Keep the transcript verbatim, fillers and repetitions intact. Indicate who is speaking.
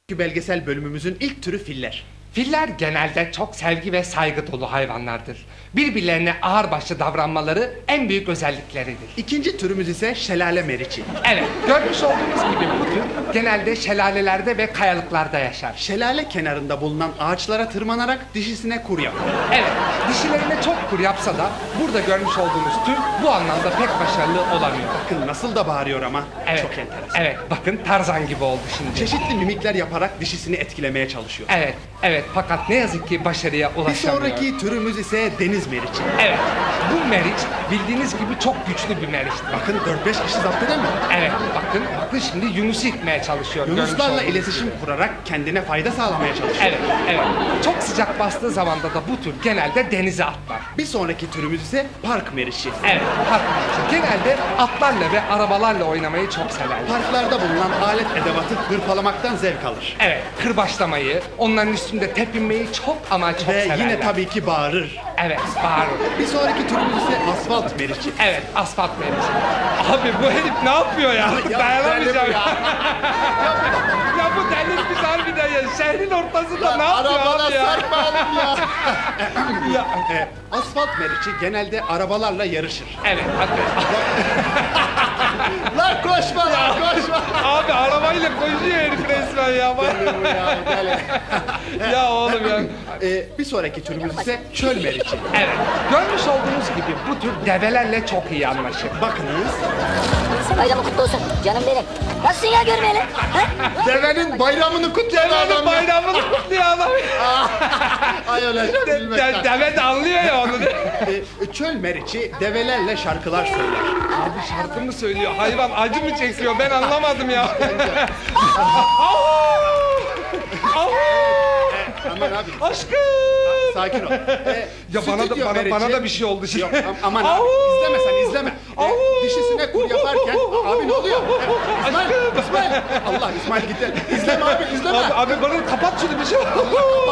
Speaker 1: Belgesel bölümümüzün ilk türü filler.
Speaker 2: Filler genelde çok sevgi ve saygı dolu hayvanlardır. Birbirlerine ağırbaşlı davranmaları en büyük özellikleridir.
Speaker 1: İkinci türümüz ise şelale meriçi.
Speaker 2: Evet, görmüş olduğunuz gibi bu tür genelde şelalelerde ve kayalıklarda yaşar.
Speaker 1: Şelale kenarında bulunan ağaçlara tırmanarak dişisine kur yapar.
Speaker 2: Evet, dişilerine çok kur yapsa da burada görmüş olduğunuz tür bu anlamda pek başarılı olamıyor.
Speaker 1: Bakın nasıl da bağırıyor ama.
Speaker 2: Evet,
Speaker 1: Çok enteresan.
Speaker 2: evet, bakın Tarzan gibi oldu şimdi.
Speaker 1: Çeşitli mimikler yaparak dişisini etkilemeye çalışıyor.
Speaker 2: Evet, evet, fakat ne yazık ki başarıya
Speaker 1: Bir
Speaker 2: ulaşamıyor.
Speaker 1: sonraki türümüz ise deniz meriçi.
Speaker 2: Evet, bu meriç bildiğiniz gibi çok güçlü bir meriçtir.
Speaker 1: Bakın dört beş kişi zapt edemiyor.
Speaker 2: Evet, bakın, bakın şimdi Yunus'u itmeye çalışıyor. görmüş
Speaker 1: Yunuslarla
Speaker 2: olduğunuz
Speaker 1: iletişim
Speaker 2: gibi.
Speaker 1: kurarak kendine fayda sağlamaya çalışıyor.
Speaker 2: Evet, evet. Çok sıcak bastığı zamanda da bu tür genelde denize atlar.
Speaker 1: Bir sonraki türümüz ise park meriçi.
Speaker 2: Evet, park meriçi. Genelde atlarla ve arabalarla oynamayı çok severler.
Speaker 1: Parklarda bulunan alet edevatı hırpalamaktan zevk alır.
Speaker 2: Evet, kırbaçlamayı, onların üstünde tepinmeyi çok ama çok
Speaker 1: Ve
Speaker 2: severler.
Speaker 1: yine tabii ki bağırır.
Speaker 2: Evet, bağırır.
Speaker 1: Bir sonraki türümüz ise asfalt meriçi.
Speaker 2: Evet, asfalt meriçi. Abi bu herif ne yapıyor ya?
Speaker 1: Ya,
Speaker 2: Dayanamayacağım
Speaker 1: deli bu
Speaker 2: ya. Ya bu delirmiş harbiden ya. Şehrin ortasında ne yapıyor
Speaker 1: Arabana
Speaker 2: abi ya?
Speaker 1: sarkmayalım ya.
Speaker 2: Ya,
Speaker 1: E, asfalt meriçi genelde arabalarla yarışır.
Speaker 2: evet, hadi.
Speaker 1: Lan koşma lan koşma.
Speaker 2: Abi arabayla koşuyor herif resmen ya.
Speaker 1: Deli bu ya, deli.
Speaker 2: Ya oğlum ya.
Speaker 1: E, bir sonraki türümüz ise çöl meriçi.
Speaker 2: Evet, görmüş olduğunuz gibi bu tür develerle çok iyi anlaşır.
Speaker 1: Bakınız,
Speaker 3: Bayramı kutlu olsun canım benim. Nasılsın ya görmeyeli? Ha?
Speaker 1: devenin bayramını kutlayan
Speaker 2: Devenin
Speaker 1: adam ya.
Speaker 2: bayramını kutluyor adam.
Speaker 1: Ay öyle
Speaker 2: De, de,
Speaker 1: bilmekten.
Speaker 2: deve de anlıyor ya onu.
Speaker 1: E, çöl meriçi develerle şarkılar söyler.
Speaker 2: Abi şarkı mı söylüyor? Hayvan acı mı çekiyor? Ben anlamadım ya. Au!
Speaker 1: Aman abi.
Speaker 2: Aşkım.
Speaker 1: Sakin ol. E,
Speaker 2: Ya bana da
Speaker 1: stüdyo
Speaker 2: bana,
Speaker 1: meriçi-
Speaker 2: bana da bir şey oldu şimdi.
Speaker 1: Yok am- aman abi
Speaker 2: Au!
Speaker 1: izleme sen izleme. E,
Speaker 2: Au!
Speaker 1: dişisine kur yaparken abi ne oluyor? E, İsmail,
Speaker 2: Aşkım.
Speaker 1: İsmail. Allah İsmail gitti. İzleme abi izleme.
Speaker 2: Abi, abi bana kapat şunu bir şey.